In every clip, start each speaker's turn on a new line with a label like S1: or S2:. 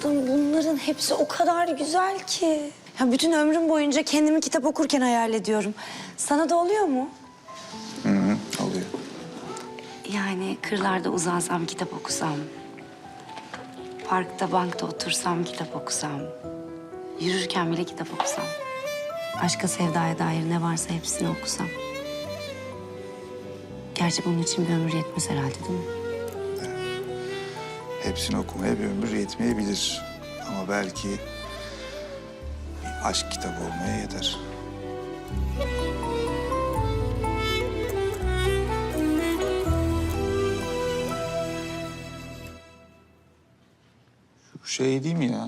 S1: tatlım, bunların hepsi o kadar güzel ki. Ya bütün ömrüm boyunca kendimi kitap okurken hayal ediyorum. Sana da oluyor mu?
S2: Hı hı, oluyor.
S1: Yani kırlarda uzansam, kitap okusam. Parkta, bankta otursam, kitap okusam. Yürürken bile kitap okusam. Aşka, sevdaya dair ne varsa hepsini okusam. Gerçi bunun için bir ömür yetmez herhalde, değil mi?
S2: Hepsini okumaya bir ömür yetmeyebilir. Ama belki bir aşk kitabı olmaya yeter. Şu şey değil mi ya?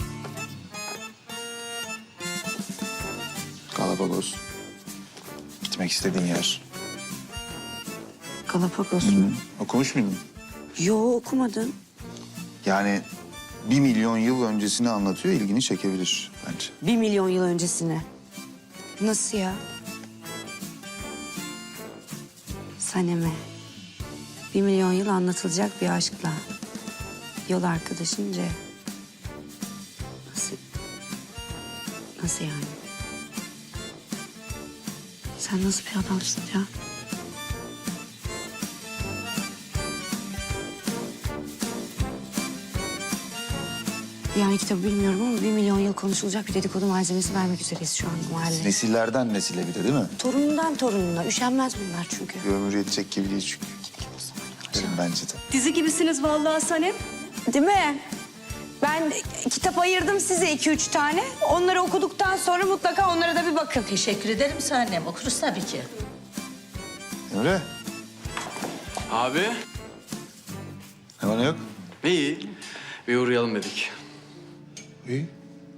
S2: Galapagos. Gitmek istediğin yer.
S1: Galapagos mu?
S2: Okumuş muydun?
S1: Yo, okumadım.
S2: Yani 1 milyon yıl öncesini anlatıyor, ilgini çekebilir bence.
S1: 1 milyon yıl öncesine. Nasıl ya? Saneme. 1 milyon yıl anlatılacak bir aşkla. Yol arkadaşınca. Nasıl? Nasıl yani? Sen nasıl bir adamsın ya? Yani kitabı bilmiyorum ama 1 milyon yıl konuşulacak bir dedikodu malzemesi vermek üzereyiz şu anda mahalleye.
S2: Nesillerden nesile bir de değil mi?
S1: Torunundan torununa. Üşenmez bunlar çünkü.
S2: Bir ömür yetecek gibi değil çünkü. Derim bence de.
S3: Dizi gibisiniz vallahi Sanem.
S1: Değil mi? Ben kitap ayırdım size 2-3 tane. Onları okuduktan sonra mutlaka onlara da bir bakın.
S3: Teşekkür ederim Sanem. Okuruz tabii ki.
S2: Emre,
S4: Abi,
S2: ne var ne yok?
S4: iyi. Bir uğrayalım dedik.
S2: İyi.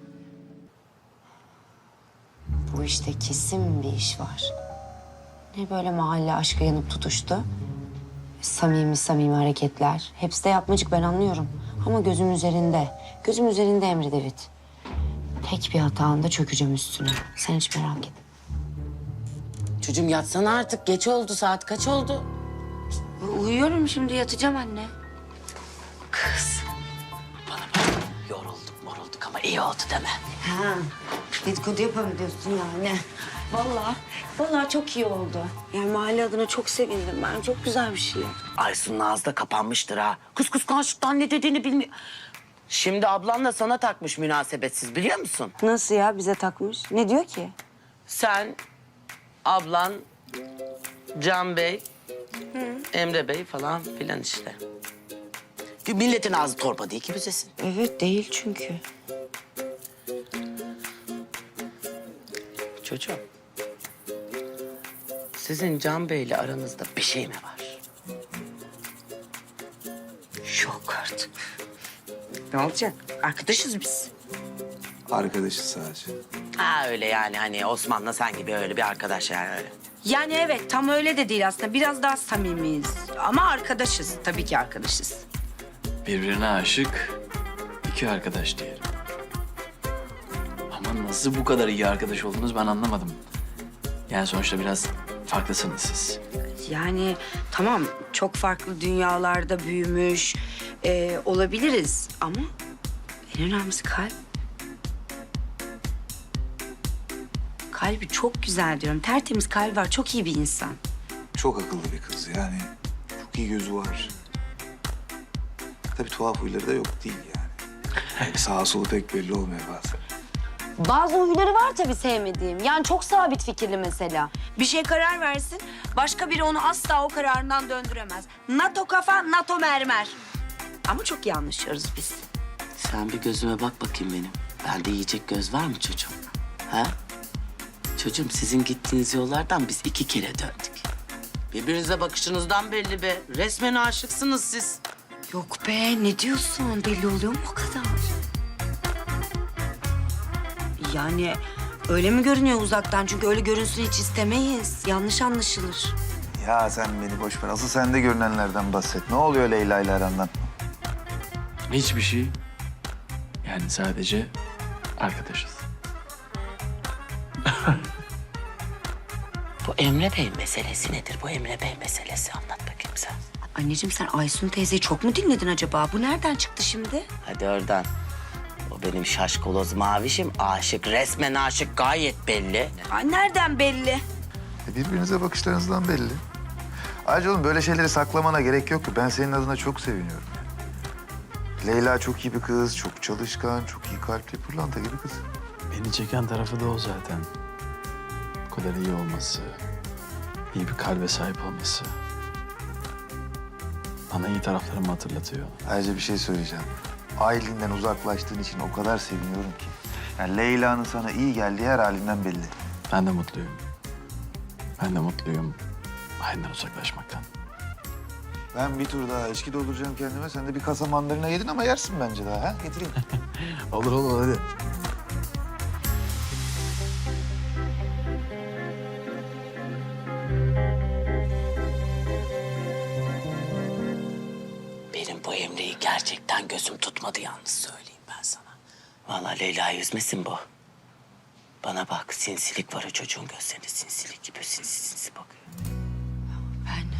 S1: Bu işte kesin bir iş var. Ne böyle mahalle aşkı yanıp tutuştu. Samimi samimi hareketler. Hepsi de yapmacık, ben anlıyorum. Ama gözüm üzerinde. Gözüm üzerinde Emre David. Tek bir hatanda çökeceğim üstüne. Sen hiç merak etme.
S5: Çocuğum yatsana artık. Geç oldu. Saat kaç oldu?
S1: Uyuyorum şimdi, yatacağım anne.
S5: Kız. Bana bak. Yorulduk ama iyi oldu deme.
S1: Ha, dedikodu yapalım diyorsun yani. Vallahi çok iyi oldu. Yani mahalle adına çok sevindim ben. Çok güzel bir şey.
S5: Aysun'un ağzı da kapanmıştır ha. Kız kıskançlıktan ne dediğini bilmiyor. Şimdi ablan da sana takmış münasebetsiz biliyor musun?
S1: Nasıl ya, bize takmış? Ne diyor ki?
S5: Sen, ablan, Can Bey, Emre Bey falan filan işte. Milletin ağzı torba değil ki büzesin.
S1: Evet, değil çünkü.
S5: Çocuğum, sizin Can Bey'le aranızda bir şey mi var?
S1: Yok artık. Ne olacak? Arkadaşız biz.
S2: Arkadaşız sadece.
S5: Ha öyle yani hani Osman'la sen gibi öyle bir arkadaş yani öyle.
S1: Yani evet, tam öyle de değil aslında. Biraz daha samimiyiz. Ama arkadaşız. Tabii ki arkadaşız.
S4: Birbirine aşık iki arkadaş diyelim. Ama nasıl bu kadar iyi arkadaş oldunuz ben anlamadım. Yani sonuçta biraz farklısınız siz.
S1: Yani tamam, çok farklı dünyalarda büyümüş olabiliriz. Ama en önemlisi kalp. Kalbi çok güzel diyorum. Tertemiz kalbi var. Çok iyi bir insan.
S2: Çok akıllı bir kız yani. Çok iyi gözü var. Tabii tuhaf huyları da yok değil yani. Yani sağa solu pek belli olmuyor bazen.
S1: Bazı huyları var tabii sevmediğim. Yani çok sabit fikirli mesela. Bir şey karar versin, başka biri onu asla o kararından döndüremez. NATO kafa, NATO mermer. Ama çok iyi anlaşıyoruz biz.
S5: Sen bir gözüme bak bakayım benim. Bende yiyecek göz var mı çocuğum? Ha? Çocuğum sizin gittiğiniz yollardan biz 2 kere döndük. Birbirinize bakışınızdan belli be. Resmen aşıksınız siz.
S1: Yok be, ne diyorsun? Belli oluyor mu o kadar? Yani öyle mi görünüyor uzaktan? Çünkü öyle görünsün hiç istemeyiz. Yanlış anlaşılır.
S2: Ya sen beni boş ver. Asıl sende görünenlerden bahset. Ne oluyor Leyla ile arandan?
S4: Hiçbir şey. Yani sadece arkadaşız.
S5: Bu Emre Bey meselesi nedir? Bu Emre Bey meselesi anlat bakayım sen.
S1: Anneciğim, sen Aysun teyzeyi çok mu dinledin acaba? Bu nereden çıktı şimdi?
S5: Hadi oradan. O benim şaşkaloz mavişim aşık, resmen aşık, gayet belli.
S1: Ay nereden belli?
S2: Birbirinize bakışlarınızdan belli. Ayrıca oğlum böyle şeyleri saklamana gerek yok ki. Ben senin adına çok seviniyorum. Leyla çok iyi bir kız, çok çalışkan, çok iyi kalpli, pırlanta gibi kız.
S4: Beni çeken tarafı da o zaten. Bu kadar iyi olması, iyi bir kalbe sahip olması. Bana iyi taraflarımı hatırlatıyor.
S2: Ayrıca bir şey söyleyeceğim. Aylin'den uzaklaştığın için o kadar seviniyorum ki. Yani Leyla'nın sana iyi geldiği her halinden belli.
S4: Ben de mutluyum. Ben de mutluyum Aylin'den uzaklaşmaktan.
S2: Ben bir tur daha içki dolduracağım kendime. Sen de bir kasa mandalina yedin ama yersin bence daha. Ha? Getireyim.
S4: Olur olur hadi.
S5: Benim bu Emre'yi gerçekten gözüm tutmadı yalnız söyleyeyim ben sana. Vallahi Leyla'yı üzmesin bu. Bana bak, sinsilik var o çocuğun gözlerinde, sinsilik gibi sinsi sinsi bakıyor.
S1: Ben...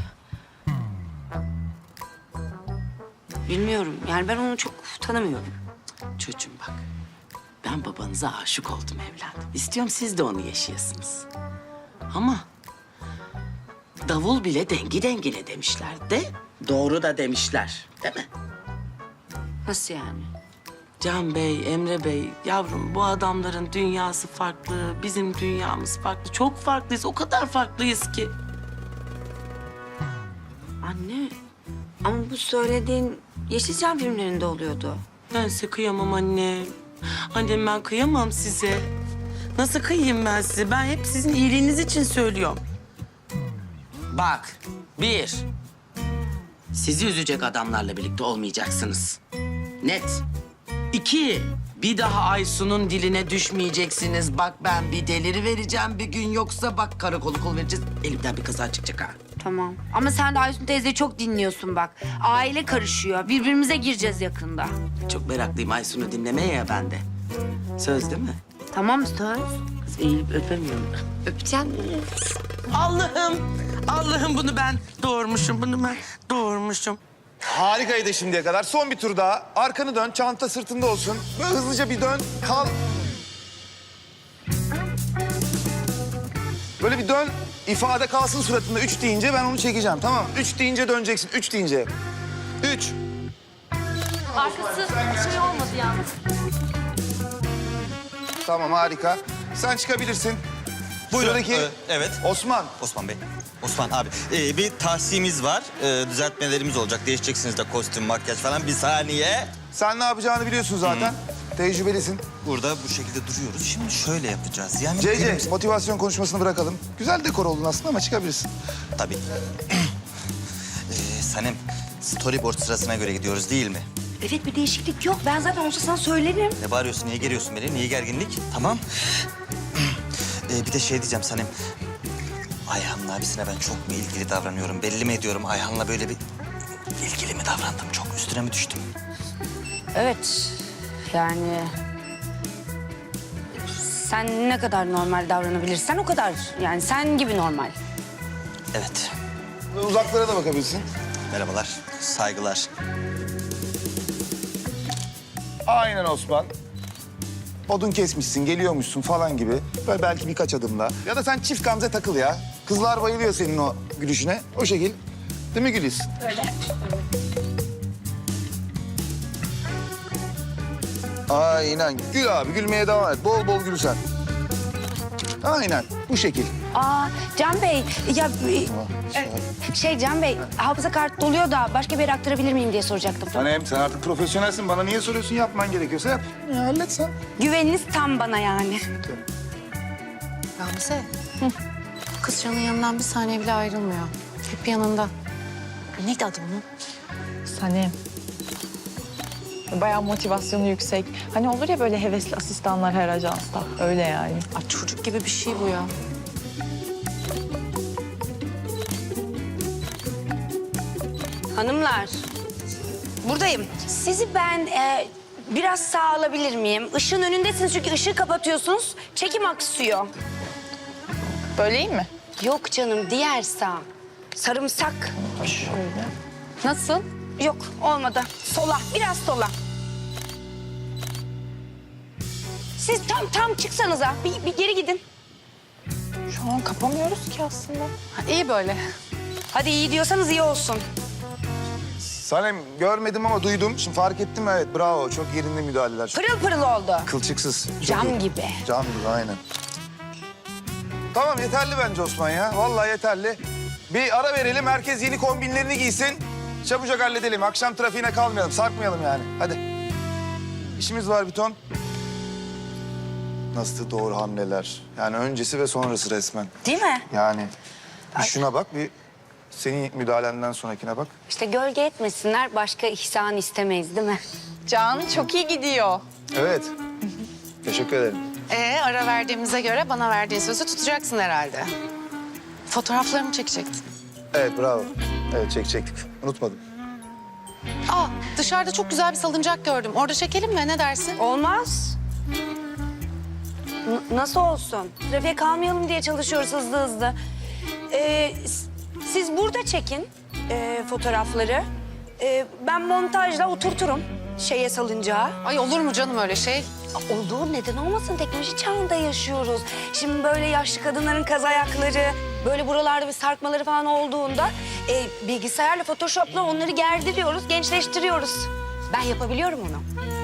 S1: Bilmiyorum. Yani ben onu çok tanımıyorum.
S5: Çocuğum bak, ben babanıza aşık oldum evladım. İstiyorum siz de onu yaşayasınız. Ama davul bile dengi dengine demişler de doğru da demişler, değil mi?
S1: Nasıl yani?
S5: Can Bey, Emre Bey, yavrum bu adamların dünyası farklı, bizim dünyamız farklı. Çok farklıyız, o kadar farklıyız ki.
S1: Anne, ama bu söylediğin Yeşilçam filmlerinde oluyordu.
S5: Ben size kıyamam anne. Annem ben kıyamam size. Nasıl kıyayım ben size? Ben hep sizin iyiliğiniz için söylüyorum. Bak, bir, sizi üzecek adamlarla birlikte olmayacaksınız. Net. İki, bir daha Aysun'un diline düşmeyeceksiniz. Bak ben bir deliri vereceğim bir gün, yoksa bak karakolu kol vereceğiz. Elimden bir kaza çıkacak ha.
S1: Tamam. Ama sen de Aysun teyzeyi çok dinliyorsun bak. Aile karışıyor. Birbirimize gireceğiz yakında.
S5: Çok meraklıyım Aysun'u dinlemeye ya ben de. Söz değil mi?
S1: Tamam söz.
S5: Kız eğilip öpemiyorum.
S1: Öpeceğim.
S5: Allah'ım bunu ben doğurmuşum.
S2: Harikaydı şimdiye kadar. Son bir tur daha. Arkanı dön, çanta sırtında olsun. Böyle hızlıca bir dön, kal. Böyle bir dön, ifade kalsın suratında. 3 deyince ben onu çekeceğim, tamam mı? 3 deyince döneceksin, 3 deyince. 3.
S3: Arkası şey olmadı yalnız.
S2: Tamam, harika. Sen çıkabilirsin.
S6: Buyurun.
S2: Sıradaki
S6: Evet.
S2: Osman.
S6: Osman Bey. Osman abi. Bir tahsimiz var. Düzeltmelerimiz olacak. Değişeceksiniz de kostüm, makyaj falan. Bir saniye.
S2: Sen ne yapacağını biliyorsun zaten. Tecrübelisin.
S6: Burada bu şekilde duruyoruz. Şimdi şöyle yapacağız. Yani benim-
S2: CC, motivasyon konuşmasını bırakalım. Güzel dekor oldun aslında ama çıkabilirsin.
S6: Tabii. Sanem, storyboard sırasına göre gidiyoruz değil mi?
S1: Evet bir değişiklik yok. Ben zaten olsa sana söylerim.
S6: Ne bağırıyorsun? Niye geriyorsun beni? Niye gerginlik? Tamam. Bir de şey diyeceğim Sanem. Ayhan'ın abisine ben çok mu ilgili davranıyorum? Belli mi ediyorum? Ayhan'la böyle bir ilgili mi davrandım? Çok üstüne mi düştüm?
S1: Evet. Yani... Sen ne kadar normal davranabilirsen o kadar. Yani sen gibi normal.
S6: Evet.
S2: Uzaklara da bakabilirsin.
S6: Merhabalar. Saygılar.
S2: Aynen Osman. Odun kesmişsin, geliyormuşsun falan gibi. Böyle belki birkaç adımla. Ya da sen çift gamze takıl ya. Kızlar bayılıyor senin o gülüşüne. O şekil. Değil mi Güliz? Öyle. Aynen. Gül abi, gülmeye devam et. Bol bol gül sen. Aynen, bu şekil.
S1: Aa Can Bey, ya Can Bey, hafıza kartı doluyor da başka bir yere aktarabilir miyim diye soracaktım.
S2: Sanem, sen artık profesyonelsin. Bana niye soruyorsun? Yapman gerekiyorsa yap. Ya, hallet sen.
S1: Güveniniz tam bana yani.
S7: Gamze. Kız Can'ın yanından bir saniye bile ayrılmıyor. Hep yanında. Neydi adı bunun?
S8: Sanem. Bayağı motivasyonu yüksek. Hani olur ya böyle hevesli asistanlar her ajansta. Öyle yani.
S7: Ay çocuk gibi bir şey bu ya.
S1: Hanımlar, buradayım. Sizi ben biraz sağa alabilir miyim? Işığın önündesiniz çünkü ışığı kapatıyorsunuz. Çekim aksıyor.
S8: Böyle iyi mi?
S1: Yok canım, diğer sağ. Sarımsak.
S8: Şöyle.
S1: Nasıl? Yok, olmadı. Sola, biraz sola. siz tam çıksanıza. Bir geri gidin.
S8: Şu an kapamıyoruz ki aslında.
S7: İyi böyle.
S1: Hadi iyi diyorsanız iyi olsun.
S2: Sanem görmedim ama duydum. Şimdi fark ettim, evet bravo. Çok yerinde müdahaleler. Çok
S1: Pırıl pırıl oldu.
S2: kılçıksız. Çok
S1: Cam
S2: iyi.
S1: gibi.
S2: Cam gibi aynen. Tamam yeterli bence Osman ya. Vallahi yeterli. Bir ara verelim. Herkes yeni kombinlerini giysin. Çabucak halledelim. Akşam trafiğine kalmayalım. Sarkmayalım yani. Hadi. İşimiz var bir ton. Nasıl doğru hamleler. Yani öncesi ve sonrası resmen.
S1: Değil mi?
S2: Yani bir şuna bak, bir senin müdahalenden sonrakine bak.
S1: İşte gölge etmesinler, başka ihsan istemeyiz değil mi?
S8: Can çok iyi gidiyor.
S2: Evet. Teşekkür ederim.
S7: Ara verdiğimize göre bana verdiğin sözü tutacaksın herhalde. Fotoğraflarımı çekecektin.
S2: Evet bravo. Evet çekecektik. Unutmadım.
S7: Dışarıda çok güzel bir salıncak gördüm. Orada çekelim mi? Ne dersin?
S1: Olmaz. Nasıl olsun? Trafiğe kalmayalım diye çalışıyoruz hızlı. Siz burada çekin fotoğrafları. Ben montajla oturturum salıncağa.
S7: Ay olur mu canım öyle şey?
S1: Olur, neden olmasın? Teknoloji çağında yaşıyoruz. Şimdi böyle yaşlı kadınların kaz ayakları, böyle buralarda bir sarkmaları falan olduğunda bilgisayarla, Photoshop'la onları gerdiriyoruz, gençleştiriyoruz. Ben yapabiliyorum onu.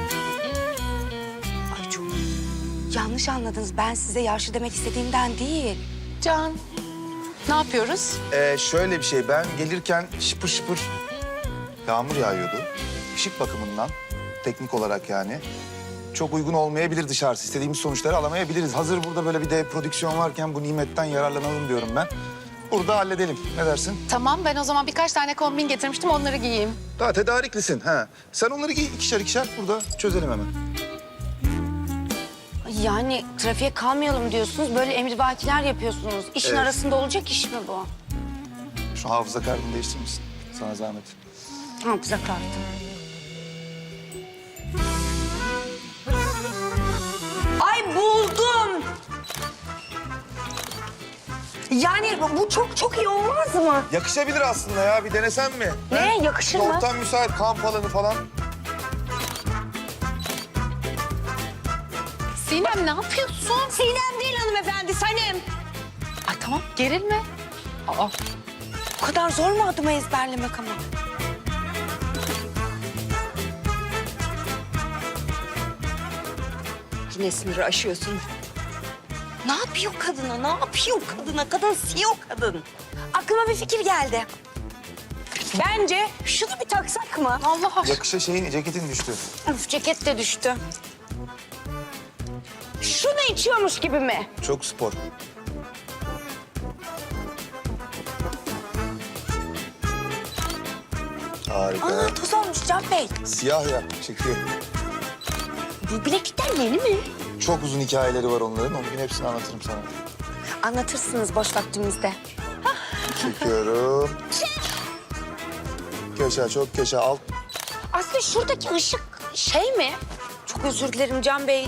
S1: Ay çok yanlış anladınız. Ben size yaşlı demek istediğimden değil.
S7: Can, ne yapıyoruz?
S2: Şöyle bir şey, ben gelirken şıpır şıpır yağmur yağıyordu. Işık bakımından, teknik olarak yani. Çok uygun olmayabilir dışarısı. İstediğimiz sonuçları alamayabiliriz. Hazır burada böyle bir de prodüksiyon varken bu nimetten yararlanalım diyorum ben. Burada halledelim. Ne dersin?
S7: Tamam, ben o zaman birkaç tane kombin getirmiştim, onları giyeyim.
S2: Daha tedariklisin. Ha. Sen onları giy ikişer burada çözelim hemen.
S1: Yani trafiğe kalmayalım diyorsunuz, böyle emrivakiler yapıyorsunuz. İşin
S2: Evet.
S1: arasında olacak iş mi bu?
S2: Şu hafıza kartını değiştirir misin? Sana zahmet.
S1: Hafıza kartı. Ay buldum. Yani bu çok iyi olmaz mı?
S2: Yakışabilir aslında ya. Bir denesen mi?
S1: Ne? Yakışır mı?
S2: Ortam müsait, kamp alanı falan.
S7: Sinem ne yapıyorsun?
S1: Sinem değil hanımefendi, Sanem.
S7: Ay tamam, gerilme.
S1: Bu kadar zor mu adımı ezberlemek ama? Yine sınırı aşıyorsun. Ne yapıyor kadına? Ne yapıyor kadına? Kadın CEO kadın. Aklıma bir fikir geldi. Bence şunu bir taksak mı?
S7: Allah aşkına.
S2: Ceketin düştü.
S1: Üf, ceket de düştü. Şunu içiyormuş gibi mi?
S2: Çok spor. Harika.
S1: Aa, toz olmuş Can Bey.
S2: Siyah ya, çekiyor.
S1: Bu bileklikler yeni mi?
S2: Çok uzun hikayeleri var onların. Onun gün hepsini anlatırım sana.
S1: Anlatırsınız boş vaktimizde.
S2: Çekiyorum. Köşe, çok köşe. Alt.
S1: Aslında şuradaki ışık mi? Çok özür dilerim Can Bey.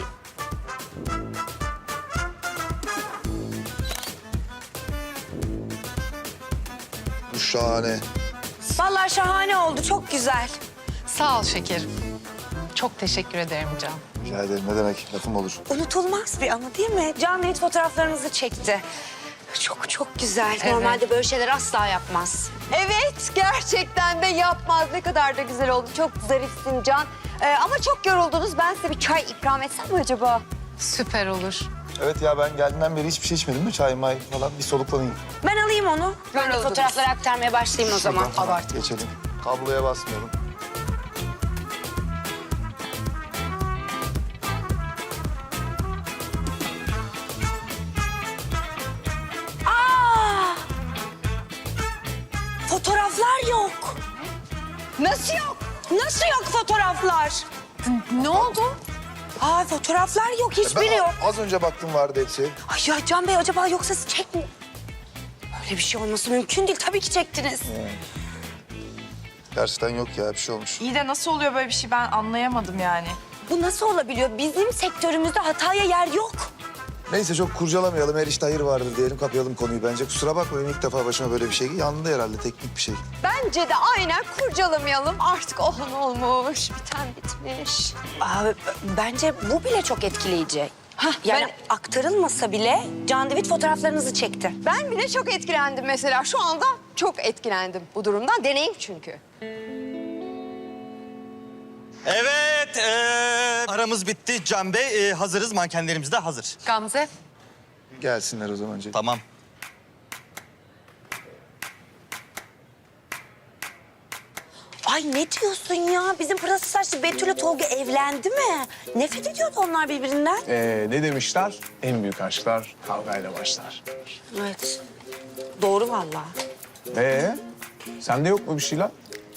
S2: Bu şahane.
S1: Vallahi şahane oldu, çok güzel.
S7: Sağ ol şekerim. Çok teşekkür ederim Can.
S2: Rica ederim. Ne demek? Lafım olur.
S1: Unutulmaz bir anı değil mi? Can Bey fotoğraflarınızı çekti. Çok güzel.
S7: Evet.
S1: Normalde böyle şeyler asla yapmaz.
S9: Evet, gerçekten de yapmaz. Ne kadar da güzel oldu. Çok zarifsin Can. Ama çok yoruldunuz. Ben size bir çay ikram etsem mi acaba?
S7: Süper olur.
S2: Evet ya, ben geldiğimden beri hiçbir şey içmedim mi? Çay may falan bir soluklanayım.
S1: Ben alayım onu. Ben de
S9: Yoruldunuz.
S1: fotoğrafları aktarmaya başlayayım o zaman.
S2: Tamam, geçelim. Kabloya basmıyorum.
S1: Fotoğraflar yok. Nasıl yok? Nasıl yok fotoğraflar?
S7: Ne oldu?
S1: Aa, fotoğraflar yok, hiçbiri yok.
S2: Az önce baktım vardı hepsi.
S1: Ay ya Can Bey, acaba yoksa siz çekmi... Öyle bir şey olması mümkün değil. Tabii ki çektiniz.
S2: Gerçekten yok ya, bir şey olmuş.
S8: İyi de nasıl oluyor böyle bir şey ben anlayamadım yani.
S1: Bu nasıl olabiliyor? Bizim sektörümüzde hataya yer yok.
S2: Neyse çok kurcalamayalım. Her işte hayır vardır diyelim, kapayalım konuyu bence. Kusura bakmayın, ilk defa başıma böyle bir şey. Yanında herhalde teknik bir şey.
S9: Bence de aynen kurcalamayalım. Artık olan olmuş, biten bitmiş.
S1: Aa, bence bu bile çok etkileyici. Yani aktarılmasa bile Can David fotoğraflarınızı çekti.
S9: Ben bile çok etkilendim mesela. Şu anda çok etkilendim bu durumdan. Deneyim çünkü.
S6: Evet, aramız bitti Can Bey. Hazırız, mankenlerimiz de hazır.
S7: Gamze.
S2: Gelsinler o zaman Cenk.
S6: Tamam.
S1: Ay ne diyorsun ya? Bizim pırası saçlı Betül'le Tolga evlendi mi? Nefret ediyordu onlar birbirinden.
S10: Ne demişler? En büyük aşklar kavgayla başlar.
S1: Evet. Doğru vallahi.
S10: Sende yok mu bir şeyler?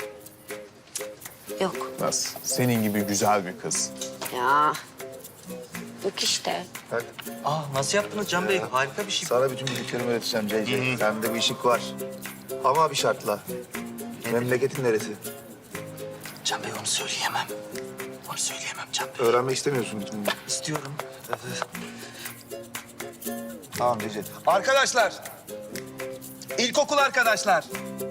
S1: Yok.
S10: Nasıl? Senin gibi güzel bir kız.
S1: Ya. Yok işte.
S6: Nasıl yaptınız Can Bey? Harika bir şey.
S2: Sana bütün bildiklerimi öğreteceğim CC. Sende bir işik var. Ama bir şartla. Memleketin neresi?
S6: Can Bey onu söyleyemem. Onu söyleyemem Can Bey.
S2: Öğrenmek istemiyorsun bütün bunları.
S6: İstiyorum.
S2: Tamam CC. Arkadaşlar. İlkokul arkadaşlar.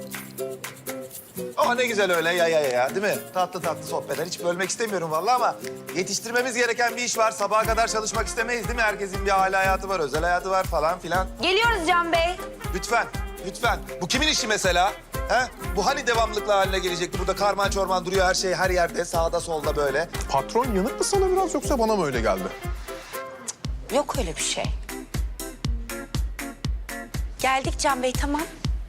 S2: Oh ne güzel öyle ya değil mi? Tatlı tatlı sohbetler. Hiç bölmek istemiyorum vallahi ama yetiştirmemiz gereken bir iş var. Sabaha kadar çalışmak istemeyiz değil mi? Herkesin bir aile hayatı var, özel hayatı var falan filan.
S1: Geliyoruz Can Bey.
S2: Lütfen, lütfen. Bu kimin işi mesela? He? Bu hani devamlılıkla haline gelecekti? Burada karman çorman duruyor her şey her yerde, sağda solda böyle.
S10: Patron yanık mı sana biraz yoksa bana mı öyle geldi?
S1: Yok öyle bir şey. Geldik Can Bey, tamam.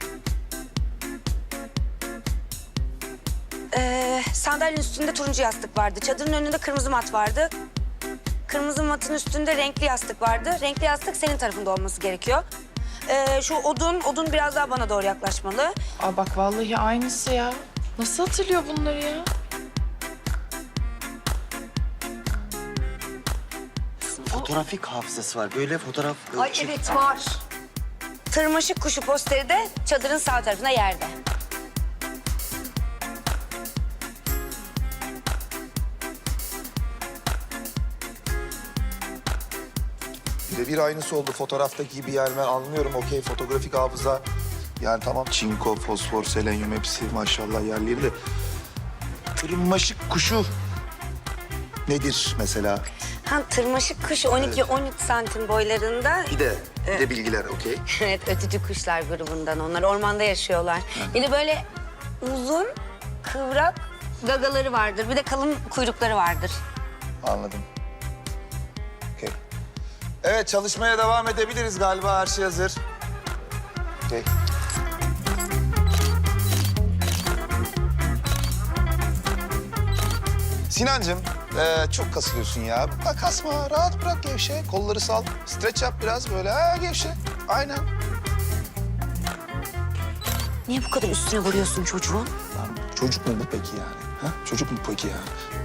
S1: Sandalyenin üstünde turuncu yastık vardı. Çadırın önünde kırmızı mat vardı. Kırmızı matın üstünde renkli yastık vardı. Renkli yastık senin tarafında olması gerekiyor. Şu odun biraz daha bana doğru yaklaşmalı.
S8: Aa bak vallahi aynısı ya. Nasıl hatırlıyor bunları ya?
S6: Fotoğrafik hafızası var. Böyle fotoğraf...
S9: Ay evet var.
S1: Tırmaşık kuşu posteri de çadırın sağ tarafında yerde.
S2: Birebir aynısı oldu fotoğraftaki gibi yani ben anlıyorum. Okey fotoğrafik hafıza. Yani tamam çinko, fosfor, selenyum hepsi maşallah yerleri de. Tırmaşık kuşu nedir mesela?
S1: Tırmaşık kuşu 12-13 santim boylarında.
S2: Bir de bilgiler okey.
S1: Evet, ötücü kuşlar grubundan onlar. Ormanda yaşıyorlar. Bir de böyle uzun, kıvrak gagaları vardır. Bir de kalın kuyrukları vardır.
S2: Anladım. Okey. Evet çalışmaya devam edebiliriz galiba her şey hazır. Okey. Sinancığım çok kasılıyorsun ya. Bak kasma rahat bırak gevşe. Kolları sal. Streç yap biraz böyle gevşe. Aynen.
S1: Niye bu kadar üstüne vuruyorsun çocuğun?
S2: Lan, çocuk mu bu peki yani? Ha? Çocuk mu peki yani?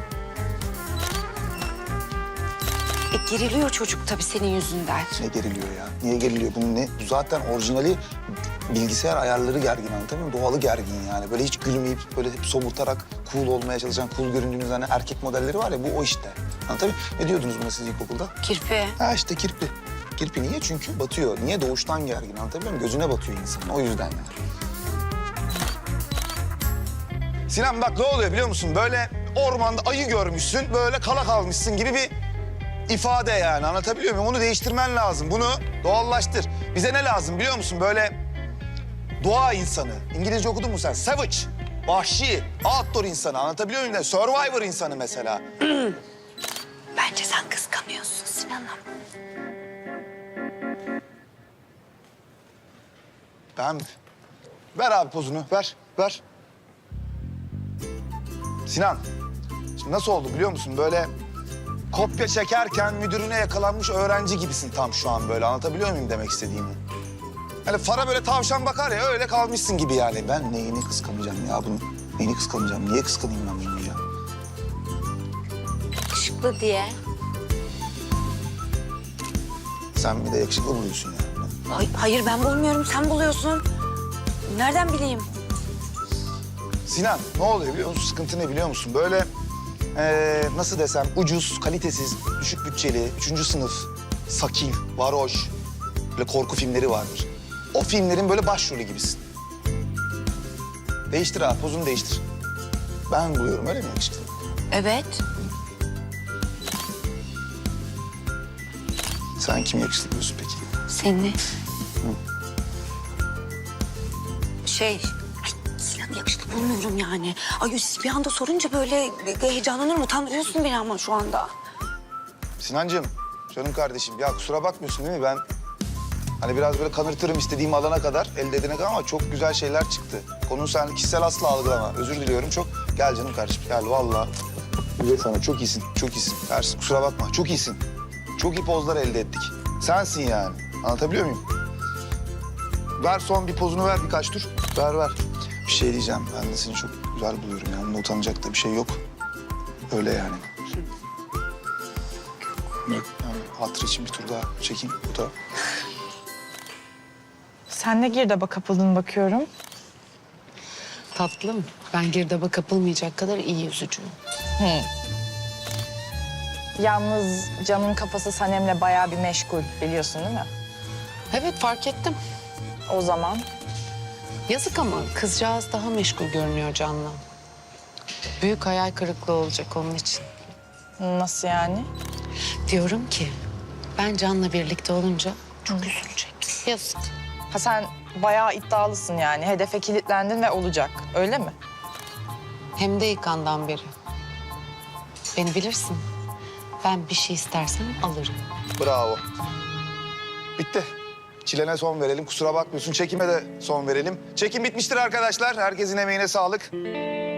S1: Geriliyor çocuk tabii senin yüzünden.
S2: Ne geriliyor ya? Niye geriliyor? Bunun ne? Bu zaten orijinali bilgisayar ayarları gergin anlatabiliyor muyum? Doğalı gergin yani. Böyle hiç gülmeyip böyle hep somurtarak cool olmaya çalışan, cool göründüğünüz hani erkek modelleri var ya bu o işte. Anlatabiliyor muyum? Ne diyordunuz buna siz ilkokulda?
S1: Kirpi.
S2: Ha işte kirpi. Kirpi niye? Çünkü batıyor. Niye? Doğuştan gergin anlatabiliyor muyum? Gözüne batıyor insanın. O yüzden yani. Sinan bak ne oluyor biliyor musun? Böyle ormanda ayı görmüşsün, böyle kala kalmışsın gibi bir ifade yani. Anlatabiliyor muyum? Onu değiştirmen lazım. Bunu doğallaştır. Bize ne lazım biliyor musun? Böyle doğa insanı. İngilizce okudun mu sen? Savage, vahşi, outdoor insanı. Anlatabiliyor muyum? Survivor insanı mesela.
S1: Bence sen kıskanıyorsun Sinan'ım.
S2: Ben... Ver abi pozunu. Ver. Sinan, şimdi nasıl oldu biliyor musun? Böyle kopya çekerken müdürüne yakalanmış öğrenci gibisin tam şu an böyle. Anlatabiliyor muyum demek istediğimi? Hani fara böyle tavşan bakar ya öyle kalmışsın gibi yani. Ben neyini kıskanacağım ya bunu? Neyini kıskanacağım? Niye kıskanayım ben bunu ya?
S1: Yakışıklı diye.
S2: Sen bir de yakışıklı buluyorsun ya.
S1: Hayır ben bulmuyorum, sen buluyorsun. Nereden bileyim?
S2: Sinan ne oluyor biliyor musun? Sıkıntı ne biliyor musun? Böyle nasıl desem ucuz, kalitesiz, düşük bütçeli, 3. sınıf, sakil, varoş, böyle korku filmleri vardır. O filmlerin böyle başrolü gibisin. Değiştir abi, pozunu değiştir. Ben buluyorum öyle mi yakışıklı?
S1: Evet.
S2: Sen kimi yakışıklı buluyorsun peki?
S1: Seni. Ay, Sinan'ı yakışıklı bulmuyorum yani. Ay bir anda sorunca böyle heyecanlanırım, utandırıyorsun beni ama şu anda.
S2: Sinancığım, canım kardeşim ya kusura bakmıyorsun değil mi? Ben hani biraz böyle kanırtırım istediğim alana kadar, elde edene kadar ama çok güzel şeyler çıktı. Konuyu sen kişisel asla algılama. Özür diliyorum çok. Gel canım kardeşim, gel vallahi. Güzel sana, çok iyisin, çok iyisin. Ersin kusura bakma, çok iyisin. Çok iyi pozlar elde ettik. Sensin yani. Anlatabiliyor muyum? Ver son bir pozunu ver birkaç tur. Ver. Bir şey diyeceğim. Ben de seni çok güzel buluyorum. Yani bunda utanacak da bir şey yok. Öyle yani. Yani hatır için bir tur daha çekeyim. Bu da.
S8: Sen de girdaba kapıldın bakıyorum.
S7: Tatlım, ben girdaba kapılmayacak kadar iyi yüzücüyüm.
S8: Yalnız Can'ın kafası Sanem'le bayağı bir meşgul biliyorsun değil mi?
S7: Evet, fark ettim.
S8: O zaman
S7: Yazık ama kızcağız daha meşgul görünüyor Can'la. Büyük hayal kırıklığı olacak onun için.
S8: nasıl yani?
S7: Diyorum ki ben Can'la birlikte olunca çok üzülecek. Yazık.
S8: Ha sen bayağı iddialısın yani. Hedefe kilitlendin ve olacak. Öyle mi?
S7: Hem de ilk andan beri. Beni bilirsin. Ben bir şey istersem alırım.
S2: Bravo. Bitti. Çilene son verelim. Kusura bakmıyorsun. Çekime de son verelim. Çekim bitmiştir arkadaşlar. Herkesin emeğine sağlık.